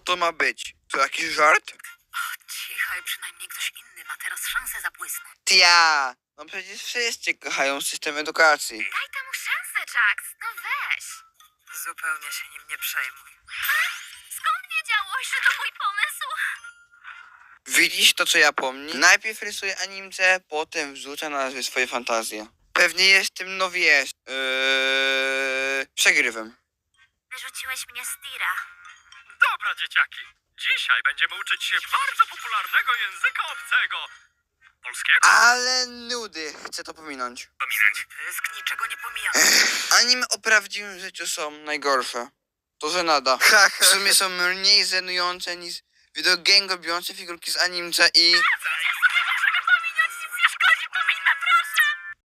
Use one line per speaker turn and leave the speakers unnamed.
to ma być? To jakiś żart?
Cichaj, przynajmniej ktoś inny ma teraz szansę zabłysnąć.
Tia! No przecież wszyscy kochają system edukacji.
Daj temu szansę, Jax. No weź. Zupełnie się nim nie przejmuj. Skąd wiedziałeś, że to mój pomysł?
Widzisz to, co ja pomni? Najpierw rysuje animce, potem wrzuca na swoje fantazje. Pewnie jestem, no wiesz, przegrywem.
Wyrzuciłeś mnie z tira.
Dobra, dzieciaki. Dzisiaj będziemy uczyć się bardzo popularnego języka obcego. Polskiego?
Ale nudy, chcę to pominąć.
Pominąć.
Pysk niczego nie pomijam.
Anime o prawdziwym życiu są najgorsze. To żenada. W sumie są mniej żenujące niż wideogame robiące figurki z animce i...